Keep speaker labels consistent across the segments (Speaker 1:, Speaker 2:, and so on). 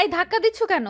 Speaker 1: এই ধাক্কা দিচ্ছ কেন?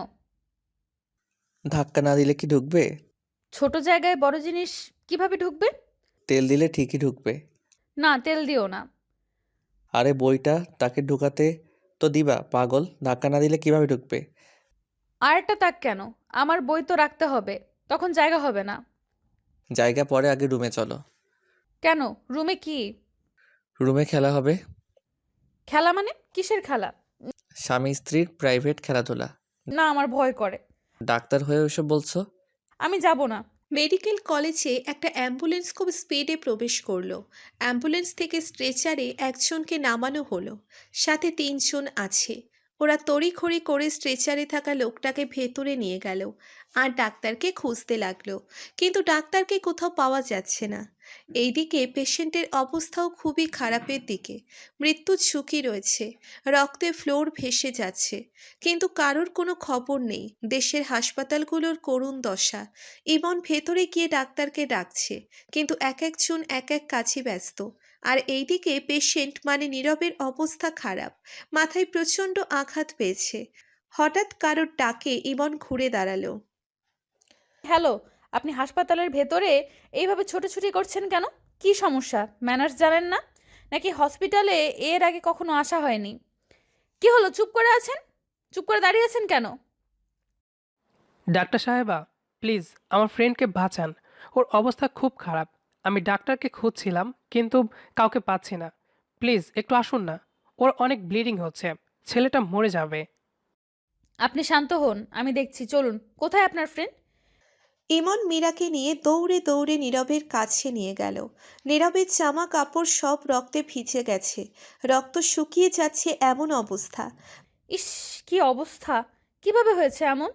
Speaker 2: ধাক্কা না দিলে কি ঢুকবে?
Speaker 1: ছোট জায়গায় বড় জিনিস কিভাবে ঢুকবে?
Speaker 2: তেল দিলে ঠিকই ঢুকবে।
Speaker 1: না, তেল দিও না।
Speaker 2: আরে বইটা তাকে ঢুকাতে তো দিবা পাগল, ধাক্কা না দিলে কিভাবে ঢুকবে?
Speaker 1: আর একটা তাক কেন? আমার বই তো রাখতে হবে, তখন জায়গা হবে না।
Speaker 2: জায়গা পরে, আগে রুমে চলো।
Speaker 1: কেন? রুমে কি?
Speaker 2: রুমে খেলা হবে।
Speaker 1: খেলা মানে কিসের খেলা?
Speaker 2: স্বামী স্ত্রীর প্রাইভেট খেলাধুলা।
Speaker 1: না, আমার ভয় করে।
Speaker 2: ডাক্তার হয়ে ওসব বলছো?
Speaker 1: আমি যাব না।
Speaker 3: মেডিকেল কলেজে একটা অ্যাম্বুলেন্স খুব স্পিডে প্রবেশ করলো। অ্যাম্বুলেন্স থেকে স্ট্রেচারে একজনকে নামানো হলো, সাথে তিনজন আছে। ওরা তড়িঘড়ি করে স্ট্রেচারে থাকা লোকটাকে ভেতরে নিয়ে গেল আর ডাক্তারকে খুঁজতে লাগলো, কিন্তু ডাক্তারকে কোথাও পাওয়া যাচ্ছে না। এইদিকে পেশেন্টের অবস্থাও খুবই খারাপের দিকে, মৃত্যুর ঝুঁকি রয়েছে, রক্তে ফ্লোর ভেসে যাচ্ছে, কিন্তু কারোর কোনো খবর নেই। দেশের হাসপাতালগুলোর করুণ দশা। ইমন ভেতরে গিয়ে ডাক্তারকে ডাকছে, কিন্তু এক একজন এক এক কাজে ব্যস্ত। আর এইদিকে পেশেন্ট মানে নীরবের অবস্থা খারাপ, মাথায় প্রচণ্ড আঘাত পেয়েছে। হঠাৎ কারোর ডাকে ইমন ঘুরে দাঁড়ালো।
Speaker 1: হ্যালো, আপনি হাসপাতালের ভেতরে এইভাবে ছোটাছুটি করছেন কেন? কি সমস্যা? ম্যানার্স জানেন না? নাকি হসপিটালে এর আগে কখনো আসা হয়নি? কি হলো, চুপ করে আছেন? চুপ করে দাঁড়িয়ে আছেন কেন?
Speaker 4: ডাক্তার সাহেবা, প্লিজ আমার ফ্রেন্ডকে বাঁচান। ওর অবস্থা খুব খারাপ। আমি ডাক্তারকে খুঁজছিলাম কিন্তু কাউকে পাচ্ছি না। প্লিজ একটু আসুন না। ওর অনেক ব্লিডিং হচ্ছে। ছেলেটা মরে যাবে।
Speaker 1: আপনি শান্ত হন, আমি দেখছি। চলুন। কোথায় আপনার ফ্রেন্ড?
Speaker 3: ইমন মীরাকে নিয়ে দৌড়ে দৌড়ে নীরবের কাছে নিয়ে গেল। নীরবের জামা কাপড় সব রক্তে ভিজে গেছে, রক্ত শুকিয়ে যাচ্ছে এমন অবস্থা।
Speaker 1: ইস, কি অবস্থা! কিভাবে হয়েছে এমন?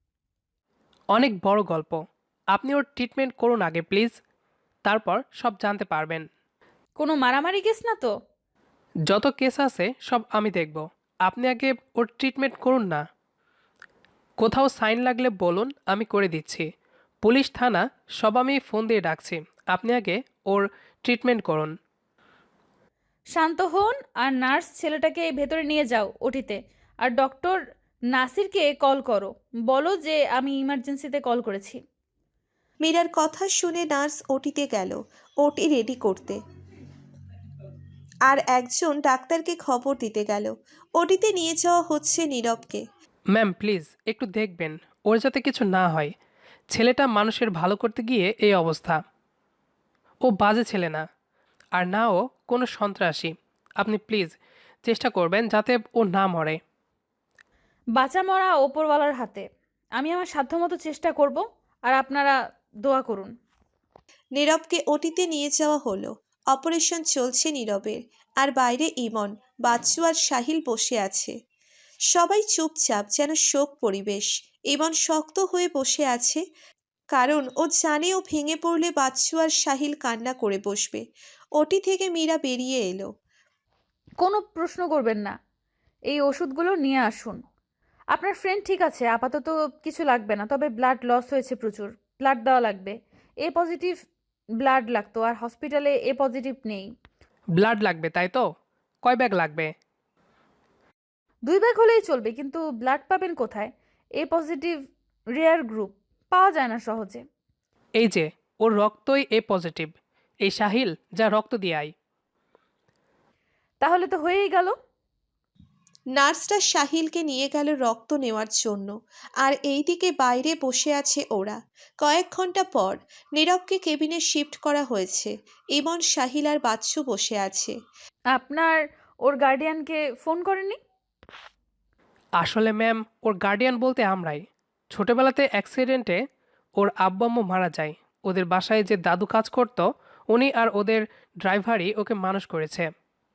Speaker 4: অনেক বড় গল্প। আপনি ওর ট্রিটমেন্ট করুন আগে প্লিজ, তারপর সব জানতে পারবেন।
Speaker 1: কোনো মারামারি কেস না তো?
Speaker 4: যত কেস আছে সব আমি দেখব। আপনি আগে ওর ট্রিটমেন্ট করুন না। কোথাও সাইন লাগলে বলুন, আমি করে দিচ্ছি। পুলিশ থানা সব আমি ফোন দিয়ে ডাকছি। আপনি আগে ওর ট্রিটমেন্ট করুন।
Speaker 1: শান্ত হন আর নার্স ছেলেটাকে ভেতরে নিয়ে যাও ওটিতে। আর ডক্টর নাসিরকে কল করো, বলো যে আমি ইমার্জেন্সিতে কল করেছি।
Speaker 3: মীরার কথা শুনে নার্স ওটিতে গেল ওটি রেডি করতে, আর একজন ডাক্তারকে খবর দিতে গেল। ওটিতে নিয়ে যাওয়া হচ্ছে নীরবকে।
Speaker 4: ম্যাম প্লিজ একটু দেখবেন ওর যাতে কিছু না হয়। ছেলেটা মানুষের ভালো করতে গিয়ে এই অবস্থা। ও বাজে ছেলে না, আর না ও কোনো সন্ত্রাসী। আপনি প্লিজ চেষ্টা করবেন যাতে ও না মরে।
Speaker 1: বাঁচা মরা ওপরওয়ালার হাতে। আমি আমার সাধ্যমতো চেষ্টা করব, আর আপনারা দোয়া করুন।
Speaker 3: নীরবকে ওটিতে নিয়ে যাওয়া হলো। অপারেশন চলছে নীরবের, আর বাইরে ইমন, বাচ্চু আর সাহিল বসে আছে। সবাই চুপচাপ, যেন শোক পরিবেশ। ইমন শক্ত হয়ে বসে আছে, কারণ ও জানে ও ভেঙে পড়লে বাচ্চু আর সাহিল কান্না করে বসবে। ওটি থেকে মীরা বেরিয়ে এলো।
Speaker 1: কোনো প্রশ্ন করবেন না। এই ওষুধগুলো নিয়ে আসুন। আপনার ফ্রেন্ড ঠিক আছে, আপাতত কিছু লাগবে না, তবে ব্লাড লস হয়েছে প্রচুর। ব্লাড দেওয়া লাগবে। এ পজিটিভ ব্লাড লাগতো, আর হসপিটালে এ পজিটিভ নেই।
Speaker 4: ব্লাড লাগবে তাই তো? কয় ব্যাগ লাগবে?
Speaker 1: 2 ব্যাগ হলেই চলবে, কিন্তু ব্লাড পাবেন কোথায়? এ পজিটিভ রেয়ার গ্রুপ, পাওয়া যায় না সহজে।
Speaker 4: এই যে, ওর রক্তই এ পজিটিভ। এই সাহিল, যা রক্ত দিয়ে আয়।
Speaker 1: তাহলে তো হয়েই গেল।
Speaker 3: নার্সটা সাহিলকে নিয়ে গেল রক্ত নেওয়ার জন্য, আর এইদিকে বাইরে বসে আছে ওরা। কয়েক ঘন্টা পর নীরবকে কেবিনে শিফট করা হয়েছে। ইমন, সাহিল আর বাচ্চু বসে আছে।
Speaker 1: আপনার ওর গার্ডিয়ানকে ফোন করেননি?
Speaker 4: আসলে ম্যাম, ওর গার্ডিয়ান বলতে আমরাই। ছোটবেলাতে অ্যাক্সিডেন্টে ওর আব্বু আম্মু মারা যায়। ওদের বাসায় যে দাদু কাজ করত, উনি আর ওদের ড্রাইভারই ওকে মানুষ করেছে।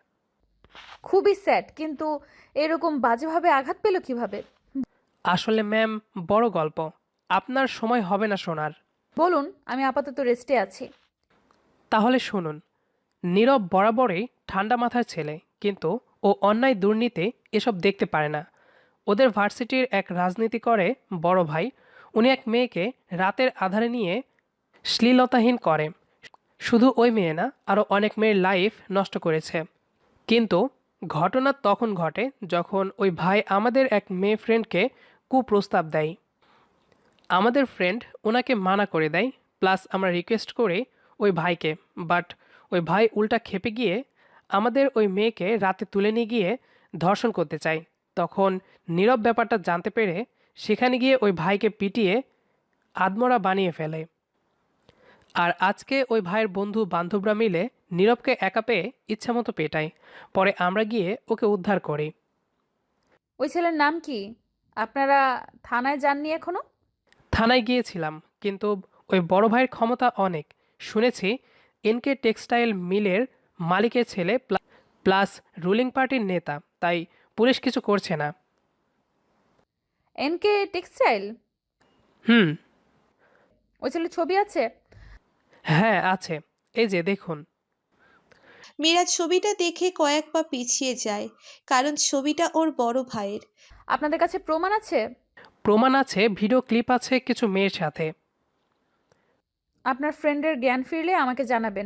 Speaker 1: খুবই স্যাড, কিন্তু এরকম বাজেভাবে আঘাত পেল কিভাবে?
Speaker 4: আসলে ম্যাম, বড় গল্প। আপনার সময় হবে না শোনার।
Speaker 1: বলুন, আমি আপাতত রেস্টে আছি।
Speaker 4: তাহলে শুনুন। নীরব বরাবরই ঠান্ডা মাথার ছেলে, কিন্তু ও অন্যায় দুর্নীতি এসব দেখতে পারে না। ওদের ভার্সিটির এক রাজনীতি করে বড় ভাই, উনি এক মেয়েকে রাতের আধারে নিয়ে শ্লীলতাহীন করে। শুধু ওই মেয়ে না, আরও অনেক মেয়ের লাইফ নষ্ট করেছে। কিন্তু ঘটনা তখন ঘটে যখন ওই ভাই আমাদের এক মেয়ে ফ্রেন্ডকে কুপ্রস্তাব দেয়। আমাদের ফ্রেন্ড ওনাকে মানা করে দেয়, প্লাস আমরা রিকোয়েস্ট করি ওই ভাইকে, বাট ওই ভাই উল্টা ক্ষেপে গিয়ে আমাদের ওই মেয়েকে রাতে তুলে নিয়ে গিয়ে ধর্ষণ করতে চায়। তখন নীরব ব্যাপারটা জানতে পেরে সেখানে গিয়ে ওই ভাইকে পিটিয়ে আদমরা বানিয়ে ফেলে। আর আজকে ওই ভাইয়ের বন্ধু বান্ধবরা মিলে নীরবকে একা পেয়ে ইচ্ছামতো পেটায়। পরে আমরা গিয়ে ওকে উদ্ধার করি।
Speaker 1: ওই ছেলের নাম কি? আপনারা থানায় যাননি এখনো?
Speaker 4: থানায় গিয়েছিলাম, কিন্তু ওই বড় ভাইয়ের ক্ষমতা অনেক। শুনেছি এনকে টেক্সটাইল মিলের মালিকের ছেলে, প্লাস রুলিং পার্টির নেতা, তাই পুলিশ কিছু করছে না।
Speaker 1: NK textile?
Speaker 4: হুম।
Speaker 1: ওই ছেলের ছবি আছে?
Speaker 4: হ্যাঁ আছে, এই যে দেখুন।
Speaker 3: মীরা ছবিটা দেখে কয়েক পা পিছিয়ে যায়, কারণ ছবিটা ওর বড় ভাইয়ের।
Speaker 1: আপনাদের কাছে প্রমাণ আছে?
Speaker 4: প্রমাণ আছে, ভিডিও ক্লিপ আছে কিছু মেয়ের সাথে।
Speaker 1: আপনার ফ্রেন্ডের জ্ঞান ফিরলে আমাকে জানাবেন।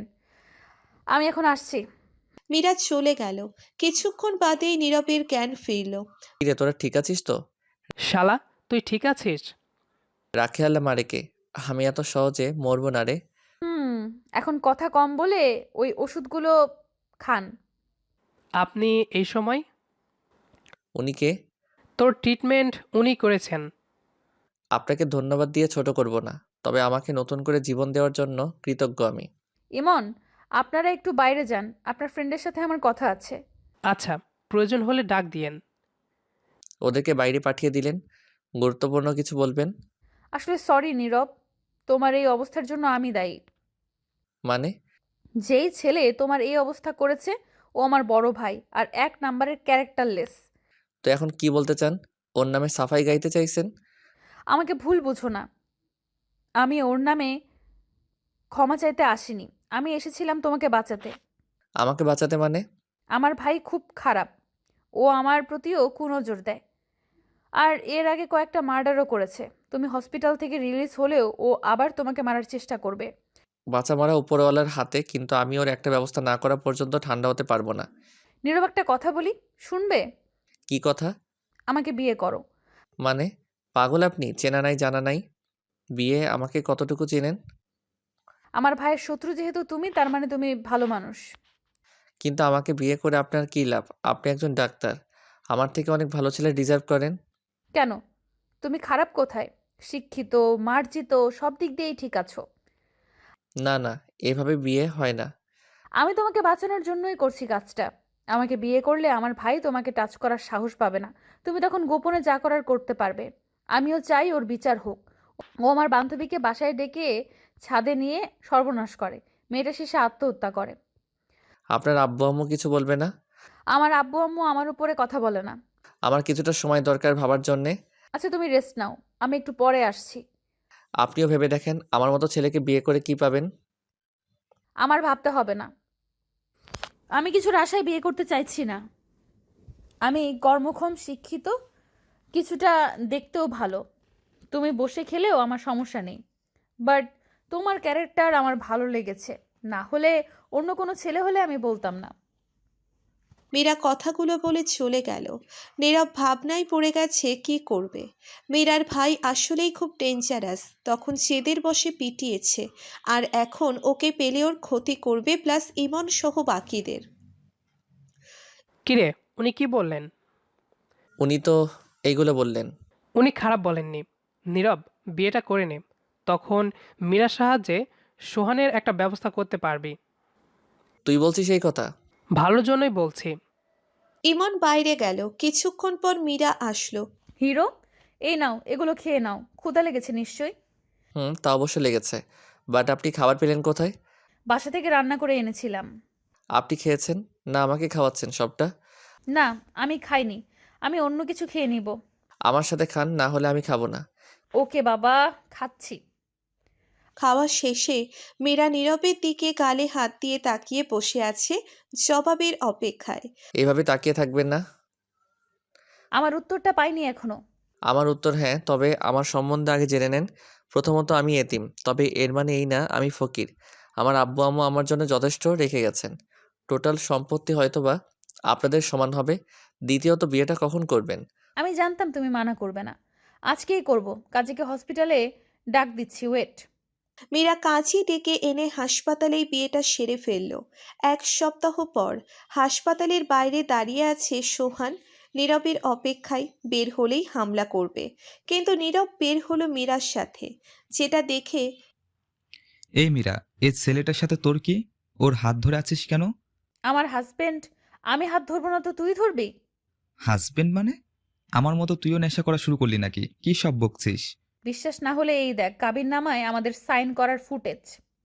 Speaker 1: আমি এখন আসছি।
Speaker 3: মীরা চলে গেল। কিছুক্ষণ বাদেই নীরবের জ্ঞান ফিরল।
Speaker 2: কিরে তোরা ঠিক আছিস তো?
Speaker 4: শালা, তুই ঠিক আছিস?
Speaker 2: রাখে আল্লাহ মারেকে, আমি এত সহজে মরবো না রে।
Speaker 1: এখন কথা কম বলে ওই ওষুধগুলো খান।
Speaker 4: আপনি এই সময়?
Speaker 2: উনিকে?
Speaker 4: তোর ট্রিটমেন্ট উনি করেছেন।
Speaker 2: আপনাকে ধন্যবাদ দিয়ে ছোট করব না, তবে আমাকে নতুন করে জীবন দেওয়ার জন্য কৃতজ্ঞ আমি।
Speaker 1: ইমন, আপনারা একটু বাইরে যান, আপনার ফ্রেন্ডের সাথে আমার কথা আছে।
Speaker 4: আচ্ছা, প্রয়োজন হলে ডাক দিয়েন।
Speaker 2: ওদেরকে বাইরে পাঠিয়ে দিলেন, গুরুত্বপূর্ণ কিছু বলবেন?
Speaker 1: আসলে সরি নীরব, তোমার এই অবস্থার জন্য আমি দায়ী।
Speaker 2: মানে?
Speaker 1: যেই ছেলে তোমার এই অবস্থা করেছে ও আমার বড় ভাই আর 1 নাম্বারের ক্যারেক্টারলেস।
Speaker 2: তো এখন কি বলতে চান? ওর নামে সাফাই গাইতে চাইছেন?
Speaker 1: আমাকে ভুল বুঝো না, আমি ওর নামে ক্ষমা চাইতে আসিনি, আমি এসেছিলাম তোমাকে বাঁচাতে।
Speaker 2: আমাকে বাঁচাতে মানে?
Speaker 1: আমার ভাই খুব খারাপ, ও আমার প্রতিও কুনজর দেয়, আর এর আগে কয়েকটা মার্ডারও করেছে। তুমি হসপিটাল থেকে রিলিজ হলেও ও আবার তোমাকে মারার চেষ্টা করবে।
Speaker 2: বাঁচা মারা উপরওয়ালার হাতে, কিন্তু আমি ওর একটা ব্যবস্থা না করা পর্যন্ত ঠান্ডা হতে পারবো না।
Speaker 1: নীরব, একটা কথা বলি, শুনবে?
Speaker 2: কি কথা?
Speaker 1: আমাকে বিয়ে করো।
Speaker 2: মানে? পাগল আপনি? চেনা নাই জানা নাই, বিয়ে? আমাকে কতটুকু চেনেন?
Speaker 1: আমার ভাইয়ের শত্রু যেহেতু তুমি, তার মানে তুমি ভালো মানুষ।
Speaker 2: কিন্তু আমাকে বিয়ে করে আপনার কী লাভ? আপনি একজন ডাক্তার, আমার থেকে অনেক ভালো ছেলে ডিজার্ভ করেন।
Speaker 1: কেন? তুমি খারাপ কোথায়? শিক্ষিত, মার্জিত, সব দিক দিয়েই ঠিক আছো।
Speaker 2: না না, এভাবে বিয়ে হয় না।
Speaker 1: আমি তোমাকে বাঁচানোর জন্যই করছি কাজটা। আমাকে বিয়ে করলে আমার ভাই তোমাকে টাচ করার সাহস পাবে না, তুমি তখন গোপনে যা করার করতে পারবে। আমিও চাই ওর বিচার হোক। ও আমার বান্ধবীকে বাসায় ডেকে ছাদে নিয়ে সর্বনাশ করে, মেয়েটা শেষে আত্মহত্যা করে।
Speaker 2: আপনার আব্বু আম্মু কিছু বলবে না?
Speaker 1: আমার আব্বু আম্মু আমার উপরে কথা বলে না।
Speaker 2: আমার কিছুটা সময় দরকার ভাবার জন্যে।
Speaker 1: আচ্ছা, তুমি রেস্ট নাও, আমি একটু পরে আসছি।
Speaker 2: আপনিও ভেবে দেখেন, আমার মতো ছেলেকে বিয়ে করে কি পাবেন।
Speaker 1: আমার ভাবতে হবে না, আমি কিছুর আশায় বিয়ে করতে চাইছি না। আমি কর্মক্ষম, শিক্ষিত, কিছুটা দেখতেও ভালো। তুমি বসে খেলেও আমার সমস্যা নেই, বাট তোমার ক্যারেক্টার আমার ভালো লেগেছে। না হলে অন্য কোনো ছেলে হলে আমি বলতাম না।
Speaker 3: মীরা কথাগুলো বলে চলে গেল। নীরব ভাবনায় পড়ে গেছে কি করবে। মীরার ভাই আসলেই খুব ডেঞ্জারাস। তখন জেদের বশে পিটিয়েছে, আর এখন ওকে পেলে ওর ক্ষতি করবে, প্লাস ইমন সহ বাকিদের।
Speaker 4: কিরে, উনি কি বললেন?
Speaker 2: উনি তো এইগুলো বললেন।
Speaker 4: উনি খারাপ বলেননি। নীরব, বিয়েটা করে নে, তখন মীরার সাহায্যে সোহানের একটা ব্যবস্থা করতে পারবি।
Speaker 2: তুই বলছিস এই কথা?
Speaker 4: ভালোর জন্যই বলছি।
Speaker 3: ইমন বাইরে গেল। কিছুক্ষণ পর মীরা আসলো।
Speaker 1: হিরো, এই নাও, এগুলো খেয়ে নাও, ক্ষুধা লেগেছে নিশ্চয়ই।
Speaker 2: তা অবশ্য লেগেছে, বাট আপনি খাবার পেলেন কোথায়?
Speaker 1: বাসা থেকে রান্না করে এনেছিলাম।
Speaker 2: আপনি খেয়েছেন না আমাকে খাওয়াচ্ছেন সবটা?
Speaker 1: না, আমি খাইনি, আমি অন্য কিছু খেয়ে নিব।
Speaker 2: আমার সাথে খান, না হলে আমি খাবো না।
Speaker 1: ওকে বাবা, খাচ্ছি।
Speaker 3: খাওয়া শেষে মীরা নীরবের দিকে গালে হাত দিয়ে তাকিয়ে বসে আছে, জবাবের অপেক্ষায়।
Speaker 2: এইভাবে তাকিয়ে থাকবেন না।
Speaker 1: আমার উত্তরটা পাইনি এখনো।
Speaker 2: আমার উত্তর হ্যাঁ, তবে আমার সম্বন্ধে আগে জেনে নেন। প্রথমত আমি এতিম, তবে এর মানে এই না আমি ফকির। আমার আব্বু আম্মু আমার জন্য যথেষ্ট রেখে গেছেন। টোটাল সম্পত্তি হয়তোবা আপনাদের সমান হবে। দ্বিতীয়ত বিয়েটা কখন করবেন?
Speaker 1: আমি জানতাম তুমি মানা করবে না। আজকেই করব। কাজীকে হসপিটালে ডাক দিচ্ছি, ওয়েট।
Speaker 3: মীরা কাজী ডেকে এনে হাসপাতালেই বিয়েটা সেরে ফেলল। 1 সপ্তাহ পর হাসপাতালের বাইরে দাঁড়িয়ে আছে সোহান, নীরবের অপেক্ষায়। বের হলেই হামলা করবে, কিন্তু নীরব বের হলো মীরার সাথে, যেটা দেখে
Speaker 5: এই মীরা, এই ছেলেটার সাথে তোর কি? ওর হাত ধরে আছিস কেন?
Speaker 1: আমার হাজবেন্ড, আমি হাত ধরবো না তো তুই ধরবি?
Speaker 5: হাজবেন্ড মানে? আমার মতো তুইও নেশা করা শুরু করলি নাকি? কি সব বকছিস?
Speaker 1: বিশ্বাস না হলে এই দেখ, কাবিননামায় আমাদের সাইন করার ফুটেজ।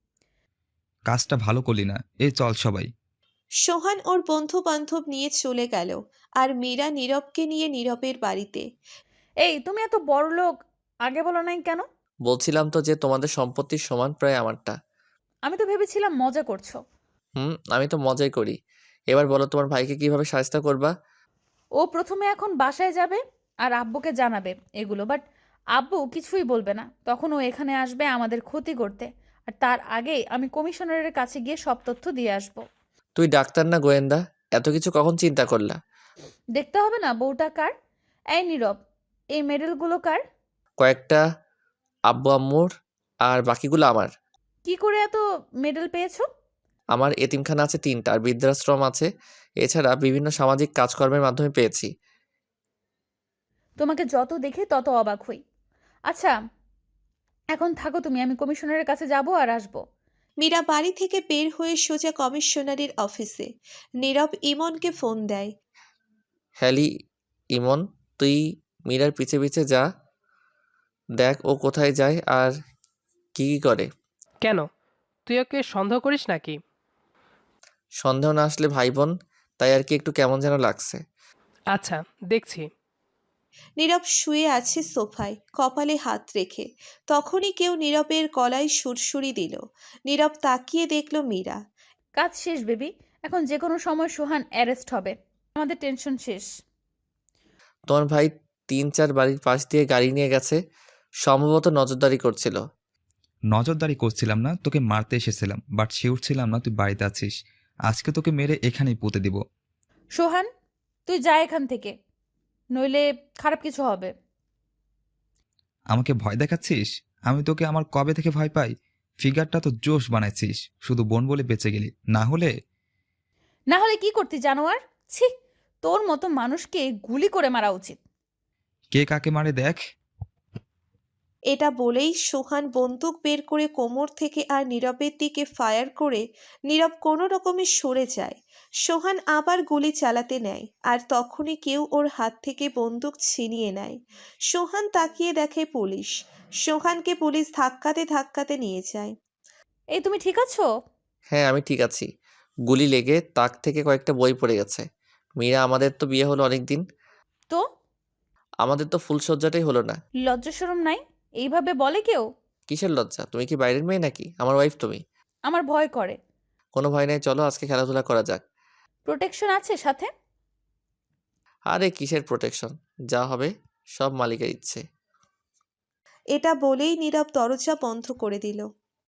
Speaker 5: কাজটা ভালো করলি না। এই চল সবাই।
Speaker 3: সোহান ওর বন্ধু বান্ধব নিয়ে চলে গেল, আর মীরা নীরবকে নিয়ে নীরবের বাড়িতে।
Speaker 1: এই তুমি এত বড় লোক, আগে বলো নাই কেন?
Speaker 2: বলছিলাম তো যে তোমাদের সম্পত্তির সমান প্রায় আমারটা।
Speaker 1: আমি তো ভেবেছিলাম মজা করছো।
Speaker 2: আমি তো মজাই করি। এবার বলো তোমার ভাইকে কিভাবে শায়েস্তা করবা?
Speaker 1: ও প্রথমে এখন বাসায় যাবে আর আব্বুকে জানাবে এগুলো, বাট আব্বু কিছুই বলবে না। তখন ও এখানে আসবে আমাদের ক্ষতি করতে, আর তার আগেই আমি কমিশনারের কাছে গিয়ে সব তথ্য দিয়ে আসব।
Speaker 2: তুই ডাক্তার না গোয়েন্দা? এত কিছু কখন চিন্তা করলা?
Speaker 1: দেখতে হবে না বউটা কার? এই নীরব, এই মেডেলগুলো কার?
Speaker 2: কয়েকটা আব্বু আম্মুর, আর বাকিগুলো আমার।
Speaker 1: কি করে এত মেডেল পেয়েছো?
Speaker 2: আমার এতিমখানা আছে 3টা, আর বৃদ্ধাশ্রম আছে। এছাড়া বিভিন্ন সামাজিক কাজকর্মের মাধ্যমে পেয়েছি।
Speaker 1: তোমাকে যত দেখে তত অবাক হই। আচ্ছা, এখন থাকো তুমি, আমি কমিশনারের কাছে যাব আর আসবো।
Speaker 3: মীরা বাড়ি থেকে বের হয়ে সোজা কমিশনারের অফিসে। নীরব ইমনকে ফোন দেয়।
Speaker 2: হ্যালি ইমন, তুই মীরার পিছে পিছে যা, দেখ ও কোথায় যায় আর কি কি করে।
Speaker 4: কেন, তুই ওকে সন্দেহ করিস নাকি?
Speaker 2: সন্দেহ না আসলে ভাই বোন, তাই আর কি একটু কেমন যেন লাগছে।
Speaker 4: আচ্ছা, দেখছি।
Speaker 3: নীরব শুয়ে আছে সোফায়, কপালে হাত রেখে। তখনই কেউ নীরবের গলায় সুরসুরি দিল। নীরব তাকিয়ে দেখল মীরা।
Speaker 1: কাজ শেষ বেবি, এখন যে কোনো সময় সোহান অ্যারেস্ট হবে। আমাদের টেনশন শেষ।
Speaker 2: তোমার ভাই 3-4 বাড়ির পাশ দিয়ে গাড়ি নিয়ে গেছে, সম্ভবত নজরদারি করছিল।
Speaker 5: নজরদারি করছিলাম না, তোকে মারতে এসেছিলাম, বাট শিওর ছিলাম না তুই বাড়িতে আছিস। আজকে তোকে মেরে এখানেই পুঁতে দিব।
Speaker 1: সোহান, তুই যা এখান থেকে, নইলে খারাপ কিছু হবে।
Speaker 5: আমাকে ভয় দেখাচ্ছিস? আমি তোকে আমার কবে থেকে ভয় পাই? ফিগারটা তো জোশ বানাইছিস, শুধু বোন বলে বেঁচে গেলি, না হলে।
Speaker 1: না হলে কি করতি জানোয়ার? ছি, তোর মতো মানুষকে গুলি করে মারা উচিত।
Speaker 5: কে কাকে মারে দেখ।
Speaker 3: এটা বলেই সোহান বন্দুক বের করে কোমর থেকে আর নীরবের দিকে ফায়ার করে নীরব কোনো রকমে সরে যায়। সোহান আবার গুলি চালাতে নেয়, আর তখনই কেউ ওর হাত থেকে বন্দুক ছিনিয়ে নেয়। সোহান তাকিয়ে দেখে পুলিশ। সোহানকে পুলিশ ধাক্কাতে ধাক্কাতে নিয়ে যায়।
Speaker 1: এই তুমি ঠিক আছো?
Speaker 2: হ্যাঁ আমি ঠিক আছি। গুলি লেগে তাক থেকে কয়েকটা বই পড়ে গেছে। মীরা, আমাদের তো বিয়ে হলো অনেক দিন,
Speaker 1: তো
Speaker 2: আমাদের তো ফুলসজ্জাটাই হলো না।
Speaker 1: লজ্জা শরম নাই? এইভাবে বলে কেউ?
Speaker 2: কিসের লজ্জা? তুমি কি বাইরের মেয়ে নাকি? আমার ওয়াইফ তুমি।
Speaker 1: আমার ভয় করে।
Speaker 2: কোনো ভয় নাই, চলো আজকে খেলাধুলা করা যাক।
Speaker 1: প্রোটেকশন আছে সাথে?
Speaker 2: আরে কিসের প্রোটেকশন, যা হবে সব মালিকের ইচ্ছে।
Speaker 3: এটা বলেই নীরব দরজা বন্ধ করে দিল।